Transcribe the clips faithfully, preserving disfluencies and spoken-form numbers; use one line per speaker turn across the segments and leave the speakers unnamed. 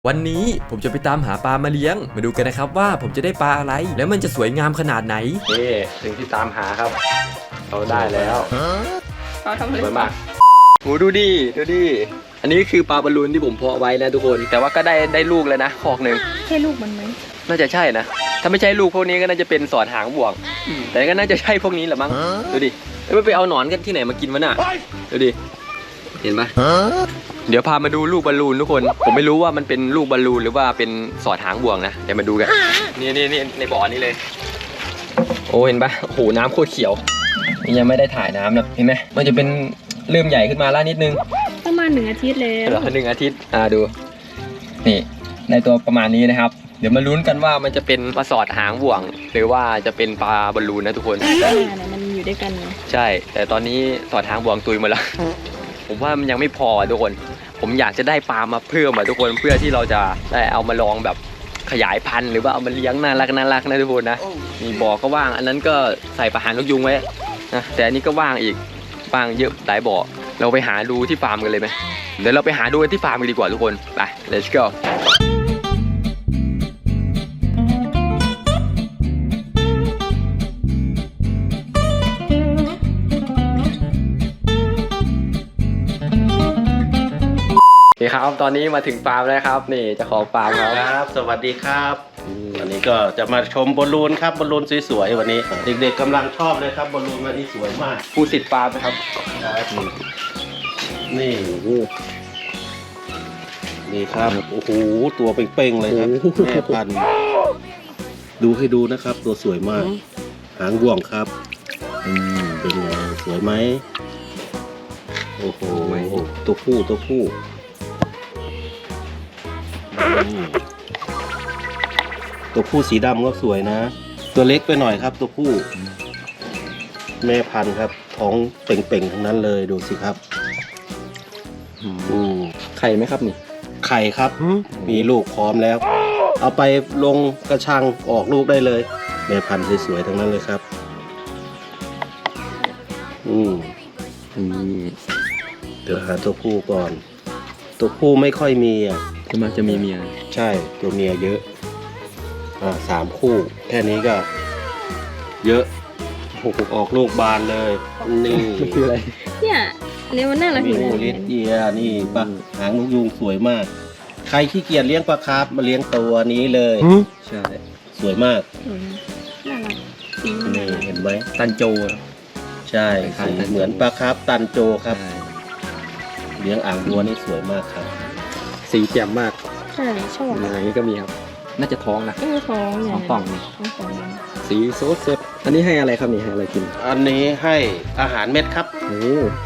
วันนี้ผมจะไปตามหาปลามาเลี้ยงมาดูกันนะครับว่าผมจะได้ปลาอะไรแล้วมันจะสวยงามขนาดไหนนี่สิ่งที่ตามหาครับเราได้แล้ว
เราทำอะไร
สวยมากโหดูดิดูดิอันนี้คือปลาบอลลูนที่ผมเพาะไว้นะทุกคนแต่ว่าก็ได้ได้ลูกแล้วนะคอกหนึ่ง
ใช่ลูกมันไหม
น่าจะใช่นะถ้าไม่ใช่ลูกพวกนี้ก็น่าจะเป็นสอดหางบ่วงแต่ก็น่าจะใช่พวกนี้แหละมั้งดูดิไม่ไปเอาหนอนกันที่ไหนมากินวะน่ะดูดิเห็นปะเดี๋ยวพามาดูลูกบอลลูนทุกคนผมไม่รู้ว่ามันเป็นลูกบอลลูนหรือว่าเป็นสอดหางบ่วงนะเดี๋ยวมาดูกันนี่นี่นี่ในบ่อนี้เลยโอ้เห็นปะโอ้โหน้ำโคตรเขียวยังไม่ได้ถ่ายน้ำนะเห็นไหมมันจะเป็นเริ่มใหญ่ขึ้นมาแล้วนิดนึง
ประมาณหนึ่งอาทิตย์แล้ว
เหรอหนึ่งอาทิตย์อ่าดูนี่ในตัวประมาณนี้นะครับเดี๋ยวมาลุ้นกันว่ามันจะเป็นปลาสอดหางบ่วงหรือว่าจะเป็นปลาบอลลูนนะทุกคน
มันอยู่ด้วยกัน
ใช่แต่ตอนนี้สอดหางบ่วงตุยหมดแล้วผมว่ามันยังไม่พอทุกคนผมอยากจะได้ปลามาเพิ่มอ่ะทุกคนเพื่อที่เราจะได้เอามาลองแบบขยายพันธุ์หรือว่าเอามาเลี้ยงน่ารักน่ารักนะทุกคนนะมีบ่อก็ว่างอันนั้นก็ใส่ปลาหางนกยุงไว้นะแต่อันนี้ก็ว่างอีกว่างเยอะหลายบ่อเราไปหาดูที่ฟาร์มกันเลยไหมเดี๋ยวเราไปหาดูที่ฟาร์มกันดีกว่าทุกคนไป let's goโอเคครับตอนนี้มาถึงฟาร์มแล้วครับนี่เจ้าของฟาร์ม
ครับสวัสดีครับวันนี้ก็จะมาชมบอลลูนครับบอลลูนสวยๆวันนี้เด็กๆกำลังชอบเลยครับบอลลูนวันนี้สวยมาก
ผู้สิทธิ์ฟาร์มนะครับ
นี่นี่ครับโอ้โหตัวเป่งๆเลยครับแม่พันธุ์ดูให้ดูนะครับตัวสวยมากหางบ่วงครับอืมเป็นไงสวยไหมโอ้โหตัวผู้ตัวผู้ตัวผู้สีดำก็สวยนะตัวเล็กไปหน่อยครับตัวผู้แม่พันธุ์ครับท้องเป่งๆทั้งนั้นเลยดูสิครับ
อืมไข่ไหมครับนี่
ไข่ครับมีลูกพร้อมแล้วเอาไปลงกระชังออกลูกได้เลยแม่พันธุ์สวยๆทั้งนั้นเลยครับอืมอืมเดี๋ยวหาตัวผู้ก่อนตัวผู้ไม่ค่อยมีอ่ะ
จะมาจะมีเมีย
ใช่ตัวเมียเยอะอ่าสามคู่แค่นี้ก็เยอะออกลูกบานเลยนี่
คืออะไร
เนี่ยนี่มันน่ารัก
มีหูลิดเอียนี่ปะหางนกยูงสวยมากใครขี้เกียจเลี้ยงปลาคาร์ฟมาเลี้ยงตัวนี้เลย
ใช่
สวยมาก
น่ารัก
นี่เห็นไหม
ตันโจ
ใช่สีเหมือนปลาคาร์ฟตันโจครับเลี้ยงอ่างบัวนี่สวยมากครับ
สีแจ่มมาก
ใช่ชอบ
อะไรนี้ก็มีครับน่าจะท้องนะ
เออท้องเนี่ย
ท้องนี่สีโซดสดอันนี้ให้อะไรครับนี่ให้อะไรกิน
อันนี้ให้อาหารเม็ดครับ
โอ้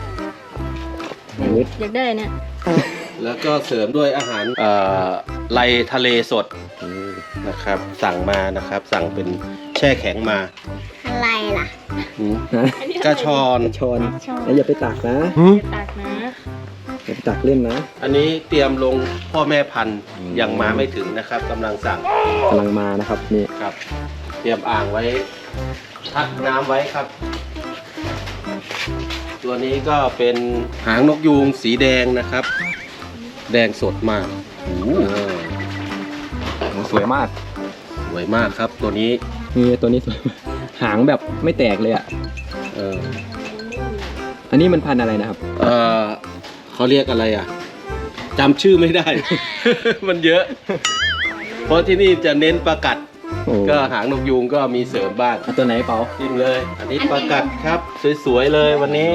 อยากได้เนี่ย
แล้วก็เสริมด้วยอาหารเอ่อไลทะเลสดนะครับสั่งมานะครับสั่งเป็นแช่แข็งมา
อะไรล่ะ
กระชอน
ชอนอย่าไปตักนะ
ตักนะ
อย่าไปตักเล่นนะ
อันนี้เตรียมลงพ่อแม่พันธุ์ยังมาไม่ถึงนะครับกำลังสั่ง
กำลังมานะครับนี่
ครับเตรียมอ่างไว้ทักน้ำไว้ครับตัวนี้ก็เป็นหางนกยูงสีแดงนะครับแดงสดมากโอ้
สวยมาก
สวยมากครับตัวนี้
นี่ตัวนี้สวยหางแบบไม่แตกเลยอ่ะ
เออ
อันนี้มันพันธุ์อะไรนะครับ
เออเขาเรียกอะไรอ่ะจำชื่อไม่ได้ มันเยอะเพราะที่นี่จะเน้นปลากัดก็หางนกยูงก็มีเสริมบ้าง
ตัวไหนเปล่า
จิ้มเลยอันนี้ปลากัดครับสวยๆเลยวันนี้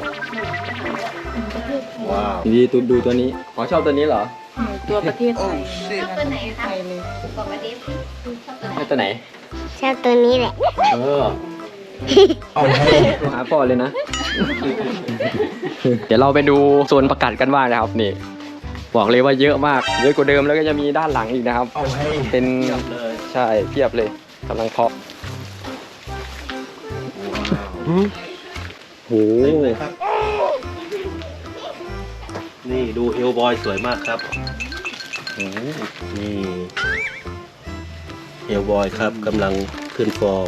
ว้าว
ดีดูดูตัวนี้ขอชอบตัวนี้เหรอ
ตัวประเทศไทย
ชอบตัวไหนคะบอกประเทศ
ชอบตัวไหน
ชอบตัวนี้แหละ
เออเอาหาพ่อเลยนะเดี๋ยวเราไปดูโซนประกาศกันว่านะครับนี่บอกเลยว่าเยอะมากเยอะกว่าเดิมแล้วก็จะมีด้านหลังอีกนะครับเป็นใช่เทียบเลยกำลังเพาะโห
นี่ดูเอลบอยสวยมากครับนี่เอลบอยครับกำลังขึ้นฟอร์ม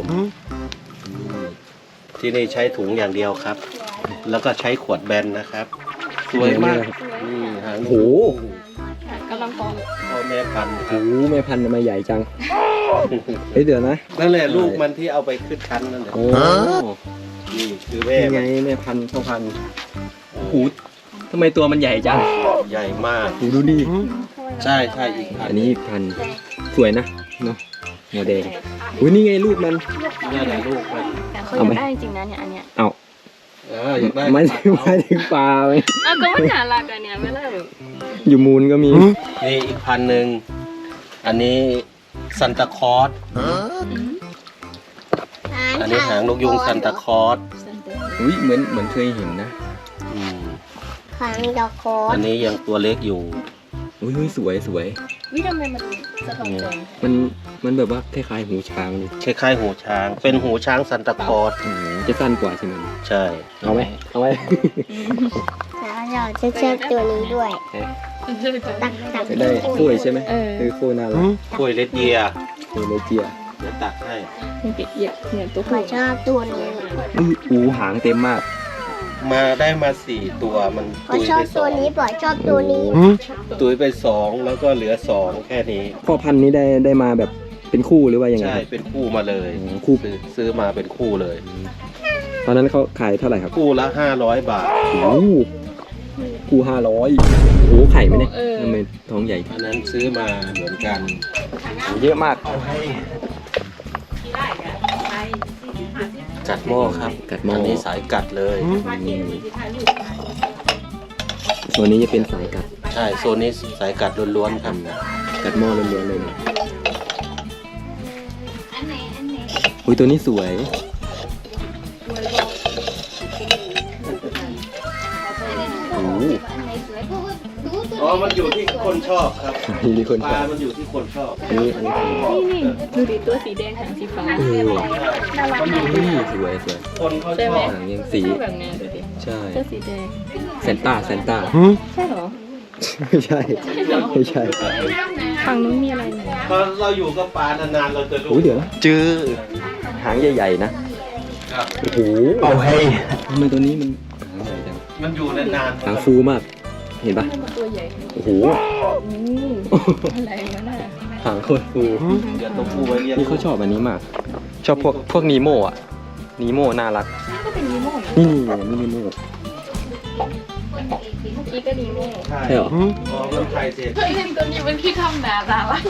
ที่นี่ใช้ถุงอย่างเดียวครับแล้วก็ใช้ขวดแบนนะครับสวยมากนี่หาง
โห
กำลังพอ
พ่อแม่พันธุ์ค
โอ้
รับ
โหแม่พันธุ์ทำไมใหญ่จังเฮ้ยเดี๋ยวนะ
นั่นแหละลูกมันที่เอาไปขึ้นชั้นนั่นแหละ
โอ้
นี่คือแม่
ยังไง
มัน
แม่พันธุ์พ่อพันธุ์โอ้โหทำไมตัวมันใหญ่จัง
ใหญ่มาก
โอ้ดูดิ
ใช่ใช่อีกพัน
อันนี้พันธุ์สวยนะเนาะหัวแดงอุ้ยนี่ไงลูกมัน
นี่แหละลูกมัน
แต่เขาอยากได้จริงๆนะเนี่ยอันเนี้ย
เอา
เอออยากได้
ไม่ถึงไม่ถึงปลาไหม
อ้าวก็มันน่ารักอันเนี้ยไม่ได้แบบ
อยู่มูลก็มี
นี่อีกพันหนึ่งอันนี้ซันตาคลอสอันนี้หางนกยุงซันตาคลอส
อุ้ยเหมือนเหมือนเคยเห็นนะ
อืม
หางดอกโค
อันนี้ยังตัวเล็กอยู่
อุ้ยอุ้ยสวยสวย
วิทำไมมันสะท้อนแสง
มันมันแบบว่าคล้ายๆหูช้างเลย
คล้ายๆหูช้าง เป็นหูช้างซันตาคลอส
โอ้โหจะสั้นกว่าใช่ไหม
ใช่
เอาไหมเอาไหม
แล้วเราจะเชือกตัวนี้ด้วย ตักตัก
จะได้กล้วยใช่ไหม
เออ
เออกล้วยน่ารัก
กล้วยเลดเยีย
กล้วยเลเจีย
เดี๋ยวตักให้
เนี่ยเปียกเนี่ยตัว
ขอ
ผู้
ชอบตัวนี้
อุ้ยอูหางเต็มมาก
มาได้มาสี่ตัวมัน
ขอ
ตุย
ชอ
ไป
บ
ส
ตั
อ
ว
ง
นี้ปล่อยชอบตัวนี้
ตุยไปสองแล้วก็เหลือสองแค่นี้
พ่อพันธุ์นี้ได้ได้มาแบบเป็นคู่หรือว่ายังไง
ใช่
ครับ
เป็นคู่มาเลย
โอ้โหคู่
ซื้อซื้อมาเป็นคู่เลย
ตอนนั้นเขาขายเท่าไหร่ครับ
คู่ละห้าร้อยบาท
โอ้โหคู่ห้าร้อยโอ้โหไข่ไหมเนี่ยทำไมท้องใหญ่
อันนั้นซื้อมาเหมือนกัน
เยอะมาก
กัดหม้อครับ
กัดหม้ออั
นนี้สายกัดเลย
ส่วนนี้จะเป็นสายกัด
ใช่โซนนี้สายกัดล้วนๆครับ
กัดหม้อล้วนๆเลยนะอุ้ยตัวนี้สวย โอ้โห
อ๋อมันอยู่ที่คนชอบครับ
มีคน
ป
ช
ลา
อบ
มันอยู่ที่คนชอบ
อันนี้อันนี้คือ
นี่นี่ดูดิตัวสีแดงหางสีฟ้า
เออ
น่ารักมาก
อุ้ยสวยสวย
คนเขา
ใช่
ช
ไหม
อบ
หางยังสี
ชอบแบบเนี้ยดูดิ
ใช่
เสื้อสีแดง
เซนต้าเซนต้า
ใช่เหรอ
ไม่ใช่ไม่ใช่
ฝั่งนู้นมีอะไรไหม
พอเราอยู่กับปลานานๆเราจะรู้
โอ้ยเดี๋ยวนะจื้อหางใหญ่ๆนะ
ครับ
โอ้โหเอาให้ทำไมตัวนี้มันหางใหญ่จัง
มันอยู่นานๆ
หางฟูมาก เห็นปะ
มันตัวใหญ่
โอ้โห
อืมอะไรวะน่ะ
หางโคตรฟู
เดี๋ยวตัวผู้ไว้เรียก
นี่เขาชอบอันนี้มาก ชอบพวกพวกนีโมอ่ะ นีโมน่ารัก
ก็เป็นนีโม่นะ
นี่นี่นี่นีโม
เมื่อกี้ก็นีโม่
ใช่
ใช่เหรอ
พอมันไทยเสร็จ
เฮ้ยเห็นตัวนี้มันพี่ทำแบบอะไรวะ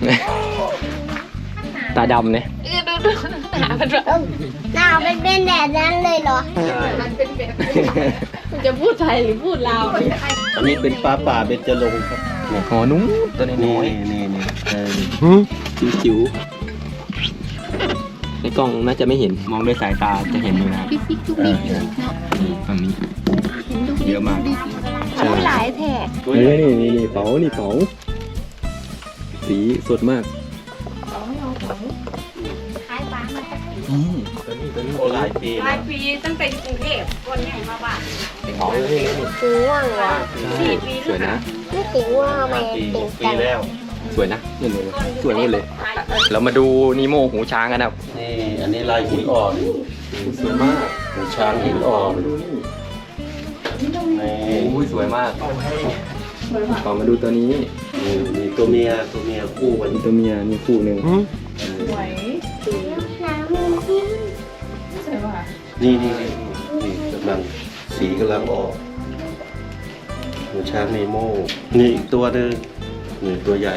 ตาดำเนี่ย
เออดูดูหามันแบบ
หน้าเป็นเป็นแบบนั้นเลยเหรอ
ใช่
มันเป็นแบบมันจะพูดไทยหรือพูดลาวเนี่ย
อันนี้เป็นปลาป่าเบญจรงค์ครับ
หอนุ้งตัวน้
นี่
อย
นี่นี่เออ
ๆจิ๋วๆในกล้องน่าจะไม่เห็น มองด้วยสายตาจะเห็นอยู่นะครับ
ปิ๊กปิ๊กทุกปิ๊กเนาะ
นี่ฝั่งนี้ เยอะมาก ใช่
หลายแท้
ตัว
เฮ้
ใหญ่
ยนี่นี่นี่เป๋านี่เป๋าสีสดมาก
ขายปลามาจาก
อืมตัวนี้ตัวนี้
โอ้หลายปี
ห
แล้
ลายว ปีตั้งแต่อยู่กรุงเทพคนใหญ่มาบ้าน
เป๋าเลยนี่
สีม่วงเหรอ
สี่ปี
สวยนะ
นี่สีม่วงทำไม
ปี
ติ่ง
ปี
จัง
แล้ว
สวยนะนี่เลยสวยหมดเลย เรามาดูนีโมหูช้างกันนะครับ
นี่อันนี้ลายหินอ่อน
สวยมาก
หูช้างหินอ่อน
ดูนี่
นี่
โอ้ยสวยมากต่อมาดูตัวนี้
นี่มีตัวเมียตัวเมียคู่กัน
มีตัวเมียนี่คู่หนึ่ง
สวย
น้ำมันจิ้ม
สวยว่ะ
นี่นี่นี่นี่กำลังสีกำลังออกหูช้างเนโมนี่อีกตัวหนึงนี่ตัวใหญ่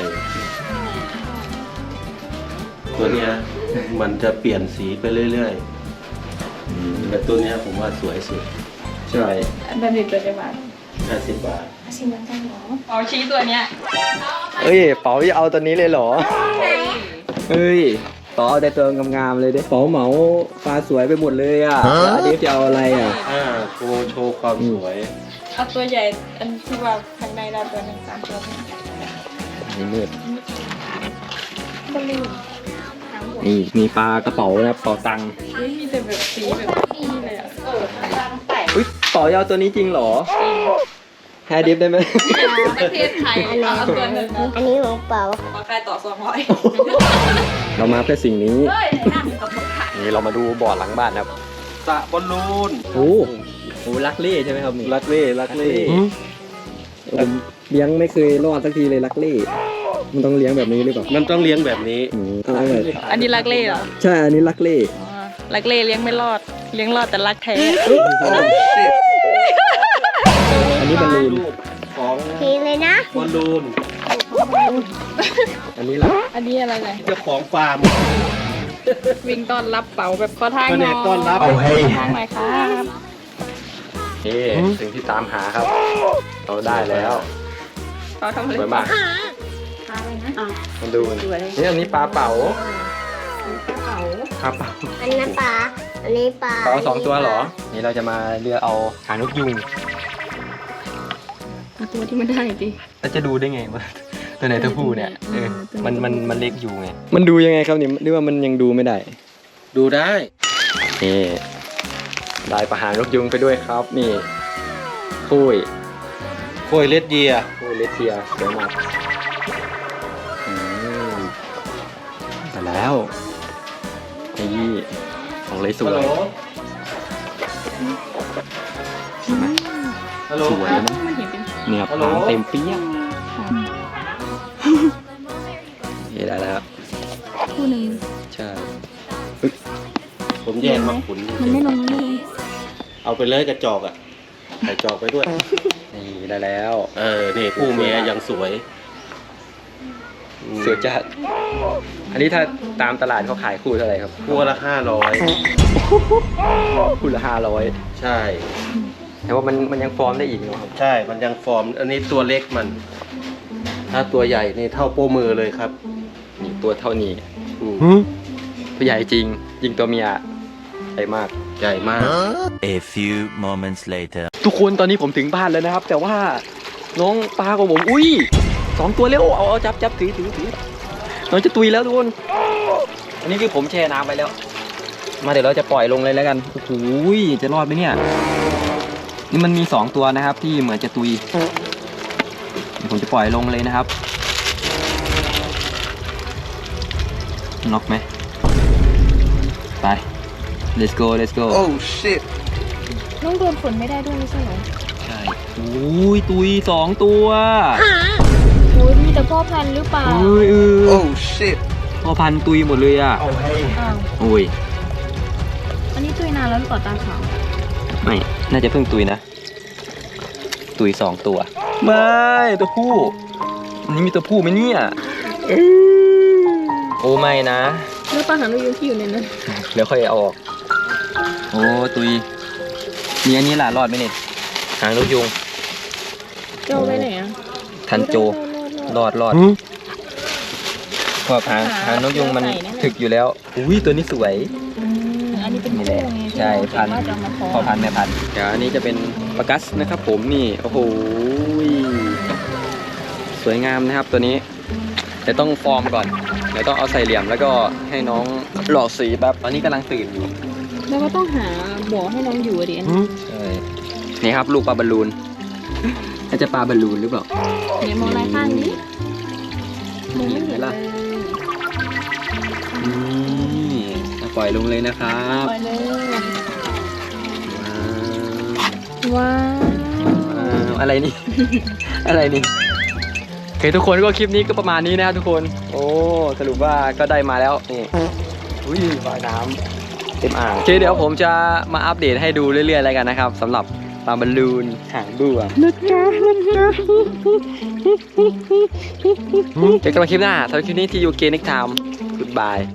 ตัวเนี้ยมันจะเปลี่ยนสีไปเรื่อยๆแต่ตัวเนี้ยผมว่าสวยสุด
ใช่
แบบนี้ตัวจะบาท
ห้าสิบบาท
ชิมมันจังเหรอเอาชี้ตัวเนี้ย
เอ้ยเป๋าจะเอาตัวนี้เลยเหรอเอ้ยเป๋าเอาแต่ตัวงามๆเลยเด้เป๋าเหมาปลาสวยไปหมดเลยอ่ะแล้วอันนี้จะเอาอะไรอ่ะ
อ่าโชว์โชว์ความสวย
เอาตัวใหญ่อันที่ว่าข้างในเราตัวหนึ่งสามตัว
นี่มืด
ก็ลืมหางหัว
นี่มีปลากระเป๋านะเป๋าตังค์
เฮ้ยมีแต่แบบสีแบบนี่เลยอ่ะเออตั้งแต่
อุ้ยเป๋าจะเอาตัวนี้จริงเหรอแฮร์ดิฟได้ไหม
ประเทศไทยเอาตัวหนึ่งนะ
อันนี้ของเปล่า
ขอใครต่อสองร้อย
เรามาเพื่อสิ่งนี้
เฮ้ยนั่งกับคนขาย
นี่เรามาดูบ่อหลังบ้านครับ
สระบอลลูน
โอ้โหลักเล่ใช่ไหมครับนี่
ลักเล่ลักเล่
ผมเลี้ยงไม่เคยรอดสักทีเลยลักเล่มันต้องเลี้ยงแบบนี้หรือเปล่า
มันต้องเลี้ยงแบบนี้
อืมเอาเลย
อันนี้รักเล่เหรอ
ใช่อันนี้ลักเล่
อ๋อรักเล่เลี้ยงไม่รอด เลี้ยงรอดแต่รักแท้
อันนี้บอลลูน
รูปของ
ทีเลยนะ
บอลลูน
อันนี้ล่ะ
อันนี้อะไรไง
เจ้าของฟาร์ม
วิ่งต้อนรับเป๋าแบบขอทาง
แผ
ห
น
น่อย
กต้อนรับ
ขอทางหน่อยครับ
นี่สิ่งที่ตามหาครับ เราได้แล้ว
เป๋าทำอะไร
สวยมาก
ทางเลยนะ
มันดูนี่อันนี้ปลาเป๋า
เป๋า
ปลาเป๋า
อันนั้นปลา อันนี้ปลา
เป๋าสองตัวเหรอ นี่เราจะมาเลือกเอาหางนกยุง
เอาตัวที่มันได้ดิ
แล้วจะดูได้ไงว่าตัวไหนตัวผู้เนี่ยเออ
ตัวไหน
มันมันมันเล็กอยู่ไง มันดูยังไงครับนี่หรือว่ามันยังดูไม่ได้
ดูได้
นี่ได้ปลาหางนกยุงไปด้วยครับ นี่คุย
โคยเลดเยีย
คุยเลสเทียสวยมากอืมแต่แล้วนี่ของเลยสวย
ฮัลโหล
สวยนะ
มันเห็นเป็น
เนี่ย
ฮัลโหล
หางเต็มเปี้ยงนี่ได้แล้ว
คู่หนึ่ง
ใช่
ผมแยกมาขุน
มันไม่ลงมันไม่ลง
เอาไปเลยกระจอกอ่ะใส่จอกไปด้วย
นี่ได้แล้ว
เออ นี่ผู้เมียยังสวยอืม
สวยจัดอันนี้ถ้าตามตลาดเขาขายคู่เท่าไหร่ครับ
คู่ละห้าร้อย
คู่ละห้าร้อย
ใช่
แต่ว่ามันมันยังฟอร์มได้อีกเนาะครับ
ใช่ มันยังฟอร์ม อันนี้ตัวเล็กมัน ถ้าตัวใหญ่นี่เท่าโป้มือเลยครับ
นี่ตัวเท่านี้
อืม
ตัวใหญ่จริง ยิงตัวเมียใหญ่มาก
ใหญ่มาก
A few moments later.
ทุกคนตอนนี้ผมถึงบ้านแล้วนะครับ แต่ว่าน้องปลาของผมอุ้ยสองตัวเร็วเอาเอาจับจับถือถือถือน้องจะตุยแล้วทุกคนอันนี้คือผมแช่น้ำไปแล้ว มาเดี๋ยวเราจะปล่อยลงเลยแล้วกันโอ้โหจะรอดไหมเนี่ยนี่มันมีสองตัวนะครับ ที่เหมือนจะตุยเดี๋ยวผมจะปล่อยลงเลยนะครับน็อกไหมไป let's go let's go
น้องโดนฝนไม่ได้ด้วยไม่ใช่เหรอ
ใช่โอ้ยตุยสองตัว
โอ้ยมีแต่พ่อพันธุ์หรือเปล่า
เอ้ยเออ oh shit พอพันตุยหมดเลยอ่ะ
อ้าว
โอ้ย
อันนี้ตุยนานแล้วหรือเปล่าตาขาว
ไม่ น่าจะเพิ่งตุยนะ ตุยสองตัว ไม่ ตัวผู้อันนี้มีตัวผู้ไหมเนี่ยเอ้ยโอ้ไม่นะ
แล้วปลาหางนกยูงที่อยู่ในนั้น
เดี๋ยวค่อยเอาออก โอ้ตุยมีอันนี้ล่ะรอดไหมเนี่ยหางนกยุง
เจ้าไปไหนอ่ะ
ทันโจ รอดรอดเพราะหางหางนกยุงมันถึกอยู่แล้ว อุ้ยตัวนี้สวย
อืมอันนี้เป็น
นี่
คู่
แหละ
ไง
ใช่พันธุ์
ว่าจะเอามาพ
พ
อ
อพันธุ์แม่พันธุ์เดี๋ยวอันนี้จะเป็นปลากัสนะครับผมนี่โอ้โหสวยงามนะครับตัวนี้แต่ต้องฟอร์มก่อนเดี๋ยวต้องเอาใส่เหลี่ยมแล้วก็ให้น้องหล่อสีแบบตอนนี้กำลังตื่นอยู่
แล้วก็ต้องหาบ่อให้น้องอยู่อะดิอันนี้
ใช่นี่ครับลูกปลาบอลลูนน่าจะปลาบอลลูนหรือเปล่า
เนี่ยมองลายข้างนี้มองไม่เห็น
เห็นไหม
เล
ล่ะ
ย
นี่จะปล่อยลงเลยนะครับ
ปล่อยเลย
ว้าว
ว้าว
ว้าวอะไรนี่ อะไรนี่โอเคทุกคนก็คลิปนี้ก็ประมาณนี้นะครับทุกคน โอ้สรุปว่าก็ได้มาแล้วนี่อุ้ยฝ่ายน้ำเต็มอ่างโอเคเดี๋ยวผมจะมาอัปเดตให้ดูเรื่อยๆแล้วกันนะครับสำหรับปลาบอลลูนหางบัวนะจ๊ะนะจ๊ะเจอกันใหม่คลิปหน้าสำหรับคลิปนี้ที่ยูเกนิกไทม์ Goodbye